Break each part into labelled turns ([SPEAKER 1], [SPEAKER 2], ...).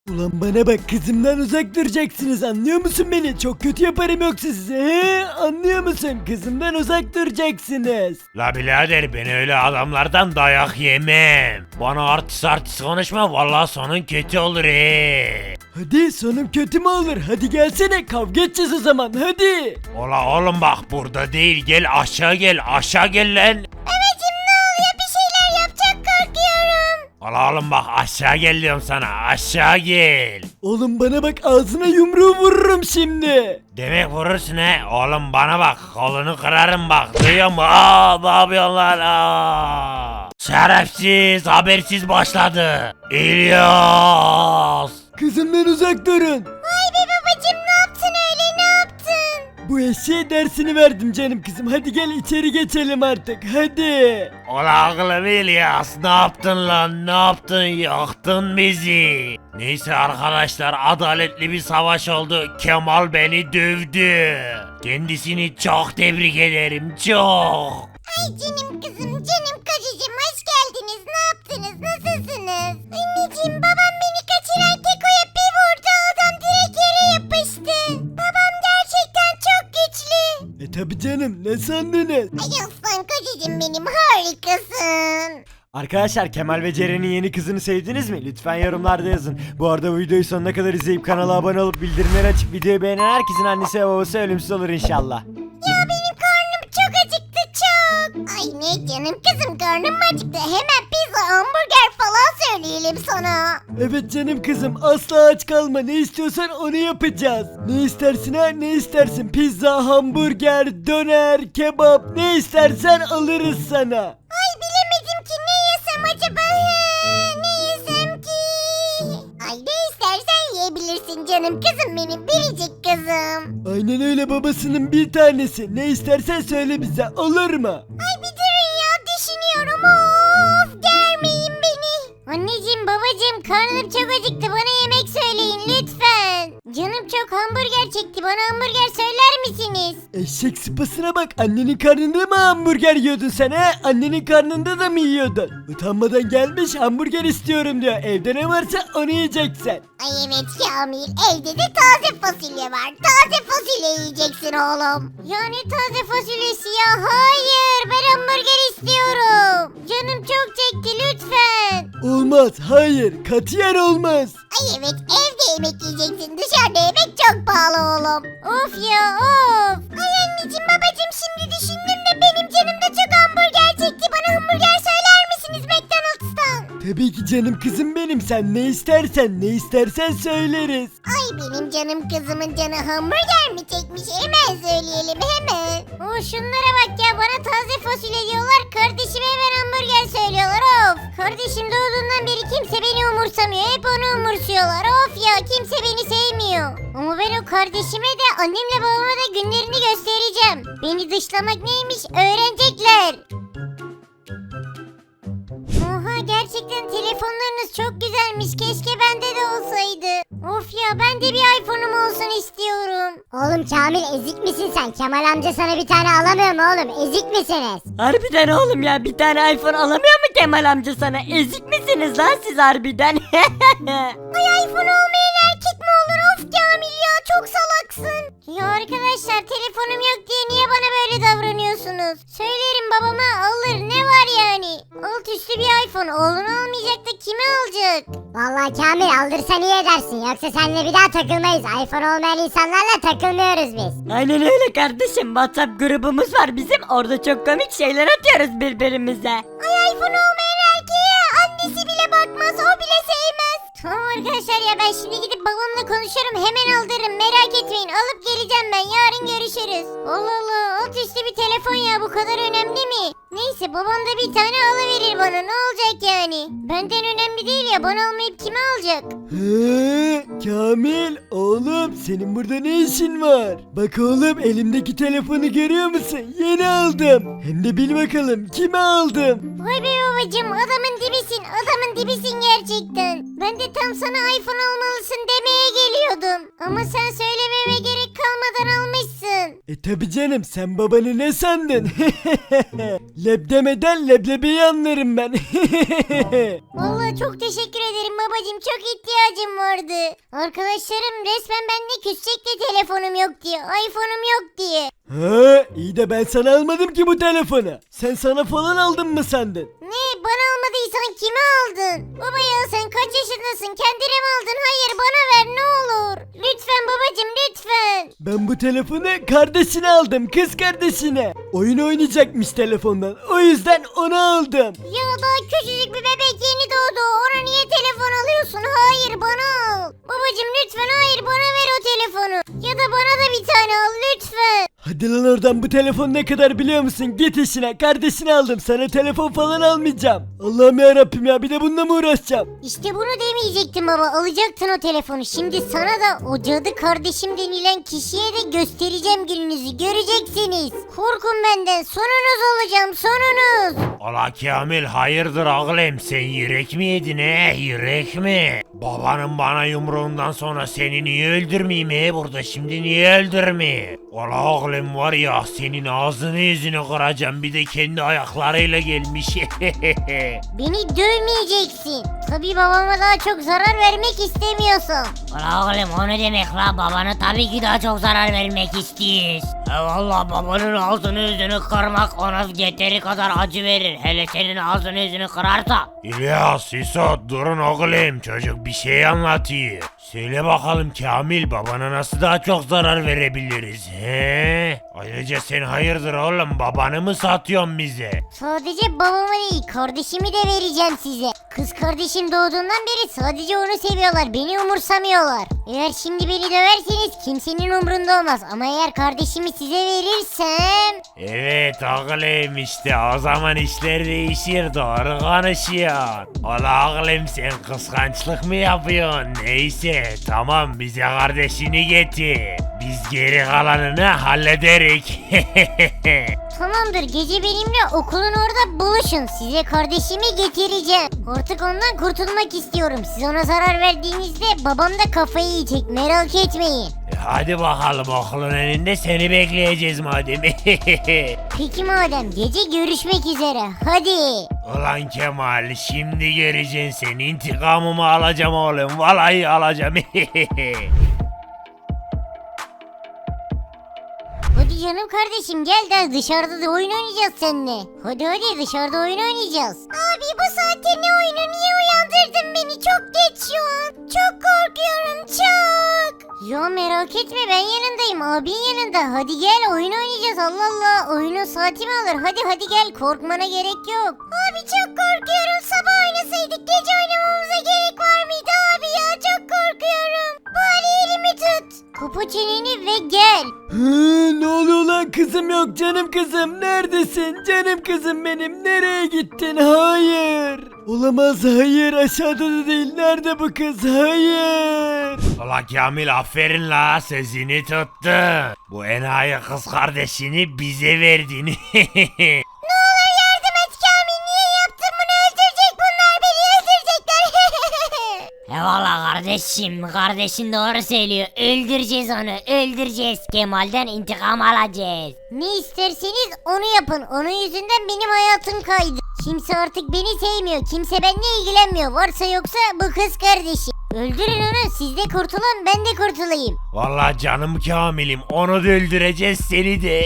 [SPEAKER 1] Ulan bana bak, kızımdan uzak duracaksınız, anlıyor musun beni? Çok kötü yaparım yoksa size, he? Anlıyor musun? Kızımdan uzak duracaksınız.
[SPEAKER 2] La birader, ben öyle adamlardan dayak yemem. Bana artist konuşma, vallahi sonun kötü olur he.
[SPEAKER 1] Hadi, sonum kötü mü olur? Hadi gelsene, kavga edeceğiz o zaman, hadi.
[SPEAKER 2] Ola oğlum bak, burada değil, gel aşağı gel lan.
[SPEAKER 3] Babacım ne oluyor, bir şeyler yapacak, korkuyorum.
[SPEAKER 2] Ola oğlum bak, aşağı gel diyorum sana, aşağı gel.
[SPEAKER 1] Oğlum bana bak, ağzına yumruğu vururum şimdi.
[SPEAKER 2] Demek vurursun he. Oğlum bana bak, kolunu kırarım bak, duyuyor musun? Aa, ne yapıyorsun lan? Aa. Şerefsiz, habersiz başladı. İlyas.
[SPEAKER 1] Kızımdan uzak durun.
[SPEAKER 3] Vay be babacım, ne yaptın öyle, ne yaptın?
[SPEAKER 1] Bu eşeğe dersini verdim canım kızım. Hadi gel içeri geçelim artık, hadi.
[SPEAKER 2] Ola oğlum İlyas, ne yaptın lan, ne yaptın, yaktın bizi. Neyse arkadaşlar, adaletli bir savaş oldu. Kemal beni dövdü. Kendisini çok tebrik ederim, çok.
[SPEAKER 3] Ay canım kızım, canım kocacığım, hoş geldiniz. Ne yaptınız, nasılsınız? Anneciğim, babam beni kaçıran Keko'ya bir vurdu, adam direkt yere yapıştı. Babam gerçekten çok güçlü.
[SPEAKER 1] Tabi canım, ne sandınız?
[SPEAKER 3] Ay aslan kocacığım benim, harikasın.
[SPEAKER 1] Arkadaşlar, Kemal ve Ceren'in yeni kızını sevdiniz mi? Lütfen yorumlarda yazın. Bu arada bu videoyu sonuna kadar izleyip kanala abone olup bildirimleri açıp videoyu beğenen herkesin annesi ve babası ölümsüz olur inşallah.
[SPEAKER 3] Ya benim karnım çok acıktı, çok. Ay ne canım kızım, karnım mı acıktı? Hemen pizza, hamburger falan söyleyelim sana.
[SPEAKER 1] Evet canım kızım, asla aç kalma, ne istiyorsan onu yapacağız. Ne istersin ha, ne istersin? Pizza, hamburger, döner, kebap, ne istersen alırız sana.
[SPEAKER 3] Ay bilemedim ki, ne yesem acaba? Ne yesem ki? Ay ne istersen yiyebilirsin canım kızım benim, biricik kızım.
[SPEAKER 1] Aynen öyle, babasının bir tanesi. Ne istersen söyle bize, olur mu?
[SPEAKER 3] Ay bir durun ya, düşünüyorum, of, germeyin beni. Anneciğim babacığım, karnım çok acıktı, bana yemek söyleyin lütfen. Canım çok hamburger çekti, bana hamburger söyler misiniz?
[SPEAKER 1] Eşek sıpasına bak, annenin karnında mı hamburger yiyordun sen he? Annenin karnında da mı yiyordun? Utanmadan gelmiş hamburger istiyorum diyor. Evde ne varsa onu yiyeceksin.
[SPEAKER 3] Ay evet Kamil, evde de taze fasulye var. Taze fasulye yiyeceksin oğlum. Yani taze fasulyesi ya, hayır, ben hamburger istiyorum. Canım çok çekti, lütfen.
[SPEAKER 1] Olmaz, hayır, katiyen olmaz.
[SPEAKER 3] Ay evet, evde yemek yiyeceksin, dışarıda yemek çok pahalı oğlum. Of ya, of. Ay anneciğim babacığım, şimdi düşündüm de benim canım da çok hamburger çekti. Bana hamburger söyler misiniz McDonald's'tan?
[SPEAKER 1] Tabii ki canım kızım benim, sen ne istersen söyleriz.
[SPEAKER 3] Ay benim canım kızımın canı hamburger mi çekmiş? Hemen söyleyelim, hemen. Şunlara bak ya, bana taze fasulye diyorlar, kardeşime hemen hamburger söylüyorlar, of. Kardeşim doğduğundan beri kimse beni umursamıyor, hep onu umursuyorlar, of ya, kimse beni sevmiyor. Ama ben o kardeşime de annemle babama da günlerini göstereceğim. Beni dışlamak neymiş öğrenecekler. Oha, gerçekten telefonlarınız çok güzelmiş. Keşke bende de olsaydı. Of ya, ben de bir iPhone'um olsun istiyorum.
[SPEAKER 4] Oğlum Kamil, ezik misin sen? Kemal amca sana bir tane alamıyor mu oğlum? Ezik misiniz?
[SPEAKER 5] Harbiden oğlum ya, bir tane iPhone alamıyor mu Kemal amca sana? Ezik misiniz lan siz harbiden?
[SPEAKER 3] Ay iPhone olmayan erkek mi olur? Of Kamil ya, çok salaksın. Ya arkadaşlar, telefonum yok diye niye bana böyle davranıyorsunuz? Söylerim babama, alır, ne var yani? Alt üstü bir iPhone, oğlunu almayacak da kimi alacak?
[SPEAKER 4] Vallahi Kamil, aldırsan iyi edersin. Yoksa seninle bir daha takılmayız. iPhone olmayan insanlarla takılmıyoruz biz.
[SPEAKER 5] Aynen öyle kardeşim, WhatsApp grubumuz var bizim, orada çok komik şeyler atıyoruz birbirimize.
[SPEAKER 3] Ay iPhone olmayan erkeğe annesi bile bakmaz, o bile sevmez. Tamam arkadaşlar ya, ben şimdi gidip babamla konuşuyorum, hemen aldırırım, merak etmeyin, alıp geleceğim ben, yarın görüşürüz. Allah Allah, alt üstü bir telefon ya, bu kadar önemli mi? Neyse, babam da bir tane alıverir bana, ne olacak yani? Benden önemli değil ya, bana almayıp kime alacak?
[SPEAKER 1] He, Kamil oğlum, senin burada ne işin var? Bak oğlum, elimdeki telefonu görüyor musun? Yeni aldım. Hem de bil bakalım kime aldım.
[SPEAKER 3] Vay be babacım, adamın dibisin, adamın dibisin gerçekten. Ben de tam sana iPhone almalısın demeye geliyordum. Ama sen söylememe gerek kalmadan almışsın.
[SPEAKER 1] Tabi canım, sen babanı ne sandın? Leb demeden leblebiyi anlarım ben.
[SPEAKER 3] Vallahi çok teşekkür ederim babacım, çok ihtiyacım vardı. Arkadaşlarım resmen benimle küsecek de telefonum yok diye, iPhone'um yok diye.
[SPEAKER 1] Ha, iyi de ben sana almadım ki bu telefonu. Sen sana falan aldın mı sandın?
[SPEAKER 3] Ne, bana almadıysan kime aldın? Baba ya, sen kaç yaşındasın, kendine mi aldın? Hayır, bana ver ne olur. Lütfen babacım, lütfen.
[SPEAKER 1] Ben bu telefonu kardeşine aldım, kız kardeşine. Oyun oynayacakmış telefondan, o yüzden onu aldım.
[SPEAKER 3] Ya daha küçücük bir bebek yeni doğdu, ona niye telefon alıyorsun? Hayır, bana al. Babacım lütfen, hayır, bana ver o telefonu. Ya da bana da bir tane al lütfen.
[SPEAKER 1] Hadi lan oradan, bu telefon ne kadar biliyor musun? Git işine, kardeşine aldım, sana telefon falan almayacağım. Allah'ım yarabbim ya, bir de bununla mı uğraşacağım?
[SPEAKER 3] İşte bunu demeyecektim baba, alacaktın o telefonu. Şimdi sana da o cadı kardeşim denilen kişiye de göstereceğim, gününüzü göreceksiniz. Korkun benden, sonunuz olacağım, sonunuz.
[SPEAKER 2] Ola Kamil, hayırdır oğlum, sen yürek mi yedin yürek mi? Babanın bana yumruğundan sonra seni niye öldürmeyeyim burada şimdi, niye öldürmeyeyim? Ola oğlum, var ya senin ağzını yüzünü kıracağım, bir de kendi ayaklarıyla gelmiş.
[SPEAKER 3] Beni dövmeyeceksin. Tabii babama daha çok zarar vermek istemiyorsun.
[SPEAKER 5] Ula oğlum, o ne demek la? Babana tabii ki daha çok zarar vermek istiyoruz. Valla babanın ağzını yüzünü kırmak ona yeteri kadar acı verir. Hele senin ağzını yüzünü kırarsa.
[SPEAKER 2] İlyas, İsot, durun oğlum, çocuk bir şey anlatıyor. Söyle bakalım Kamil, babana nasıl daha çok zarar verebiliriz he? Ayrıca sen hayırdır oğlum, babanı mı satıyorsun bize?
[SPEAKER 3] Sadece babama değil, kardeşimi de vereceğim size. Kız kardeşim doğduğundan beri sadece onu seviyorlar, beni umursamıyorlar. Eğer şimdi beni döverseniz kimsenin umrunda olmaz, ama eğer kardeşimi size verirsem...
[SPEAKER 2] Evet oğlum, işte o zaman işler değişir, doğru konuşuyorsun. Ola oğlum, sen kıskançlık mı yapıyorsun? Neyse tamam, bize kardeşini getir. Biz geri kalanını hallederik.
[SPEAKER 3] Tamamdır, gece benimle okulun orada buluşun. Size kardeşimi getireceğim. Artık ondan kurtulmak istiyorum. Siz ona zarar verdiğinizde babam da kafayı yiyecek, merak etmeyin.
[SPEAKER 2] Hadi bakalım, okulun önünde seni bekleyeceğiz madem.
[SPEAKER 3] Peki madem, gece görüşmek üzere, hadi.
[SPEAKER 2] Ulan Kemal, şimdi göreceksin, sen intikamımı alacağım oğlum, vallahi alacağım.
[SPEAKER 3] Hadi canım kardeşim, gel de dışarıda da oyun oynayacağız seninle. Hadi dışarıda oyun oynayacağız. Abi bu saatte ne oyunu, niye uyandırdın beni? Çok geç şu an. Çok korkuyorum, çok. Ya merak etme, ben yanındayım, abin yanında. Hadi gel, oyun oynayacağız, Allah Allah. Oyunun saati mi alır? Hadi gel, korkmana gerek yok. Abi çok korkuyorum, sabah oynasaydık, gece oynamamıza gerek var mıydı abi ya? Çok korkuyorum. Bari elimi tut. Kapa çeneni ve gel.
[SPEAKER 1] Ne oluyor lan, kızım yok, canım kızım, neredesin? Canım kızım benim, nereye gittin? Hayır. Olamaz, hayır, aşağıda da değil, nerede bu kız? Hayır.
[SPEAKER 2] Ulan Kamil, aferin la, sözünü tuttu. Bu enayi kız kardeşini bize verdin.
[SPEAKER 3] Ne olur yardım et Kamil, niye yaptın bunu? Öldürecek bunlar beni, öldürecekler.
[SPEAKER 5] Eyvallah kardeşin doğru söylüyor. Öldüreceğiz onu, öldüreceğiz. Kemal'den intikam alacağız.
[SPEAKER 3] Ne isterseniz onu yapın, onun yüzünden benim hayatım kaydı. Kimse artık beni sevmiyor, kimse benimle ilgilenmiyor. Varsa yoksa bu kız kardeşi. Öldürün onu, siz de kurtulun, ben de kurtulayım.
[SPEAKER 2] Vallahi canım Kamil'im, onu da öldüreceğiz, seni de.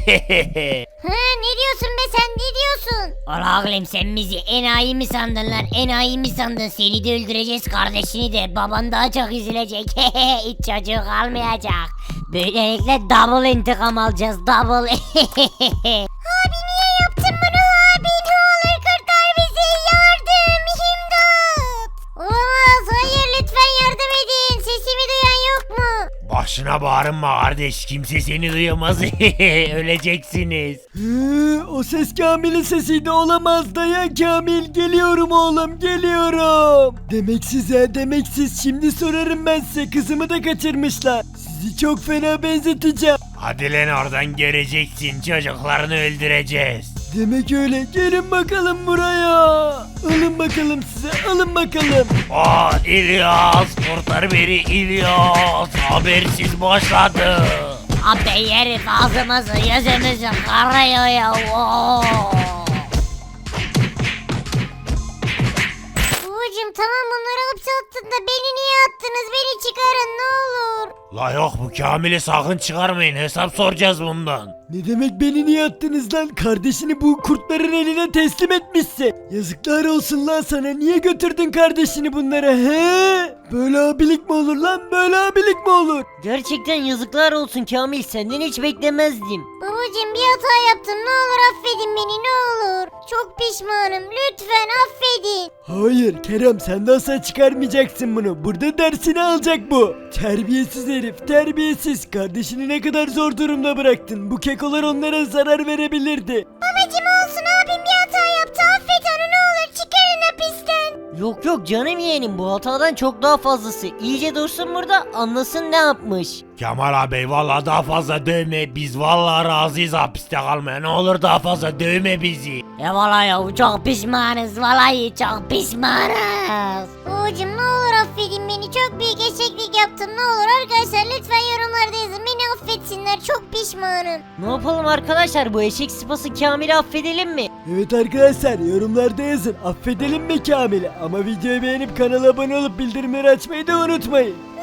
[SPEAKER 3] Ne diyorsun be sen, ne diyorsun?
[SPEAKER 5] Ola oğlum, sen bizi enayi mi sandın lan, enayi mi sandın? Seni de öldüreceğiz, kardeşini de. Baban daha çok üzülecek. Hiç çocuğu kalmayacak. Böylelikle double intikam alacağız, double.
[SPEAKER 3] Abi niye yaptın bunu abi? Ne olur kurtar bizi, yardım, imdat. Olamaz, hayır, lütfen yardım edin. Sesimi duyan yok mu?
[SPEAKER 2] Başına bağırma kardeş, kimse seni duyamaz. Öleceksiniz.
[SPEAKER 1] O ses Kamil'in sesiydi, olamaz, dayan Kamil, geliyorum oğlum, geliyorum. Demek siz, şimdi sorarım ben size, kızımı da kaçırmışlar. Sizi çok fena benzeteceğim.
[SPEAKER 2] Hadi lan oradan, göreceksin, çocuklarını öldüreceğiz.
[SPEAKER 1] Demek öyle, gelin bakalım buraya. Alın bakalım size, alın bakalım.
[SPEAKER 2] İlyas, kurtar beni İlyas, habersiz başladı.
[SPEAKER 5] Abi herif ağzımızı yüzümüzü karıyor ya. Oo.
[SPEAKER 3] Babacım tamam bunları hapse attın da beni niye attınız? Beni çıkarın ne olur.
[SPEAKER 2] La yok bu Kamil'i sakın çıkarmayın hesap soracağız bundan.
[SPEAKER 1] Ne demek beni niye attınız lan? Kardeşini bu kurtların eline teslim etmişsin. Yazıklar olsun lan sana. Niye götürdün kardeşini bunlara he? Böyle abilik mi olur lan? Böyle abilik mi olur?
[SPEAKER 6] Gerçekten yazıklar olsun Kamil, senden hiç beklemezdim.
[SPEAKER 3] Babacım bir hata yaptım ne olur affedin beni ne olur. Çok pişmanım lütfen affedin.
[SPEAKER 1] Hayır Kerem sen de asla çıkarmayacaksın bunu. Burada dersini alacak bu. Terbiyesiz herif terbiyesiz. Kardeşini ne kadar zor durumda bıraktın. Bu kekolar onlara zarar verebilirdi.
[SPEAKER 3] Babacım olsun abim bir hata yaptı affet onu ne olur çıkarın hapisten.
[SPEAKER 6] Yok yok canım yeğenim, bu hatadan çok daha fazlası. İyice dursun burada, anlasın ne yapmış.
[SPEAKER 2] Kemal abi valla daha fazla dövme biz valla razıyız hapiste kalmaya ne olur daha fazla dövme bizi.
[SPEAKER 5] Ya vallahi ya çok pişmanız vallahi çok pişmanız.
[SPEAKER 3] Babacım ne olur affedin beni çok büyük eşeklik yaptım ne olur arkadaşlar lütfen yorumlarda yazın beni affetsinler çok pişmanım.
[SPEAKER 6] Ne yapalım arkadaşlar, bu eşek sıpası Kamil'i affedelim mi?
[SPEAKER 1] Evet arkadaşlar yorumlarda yazın. Affedelim mi Kamil'i? Ama videoyu beğenip kanala abone olup bildirimleri açmayı da unutmayın.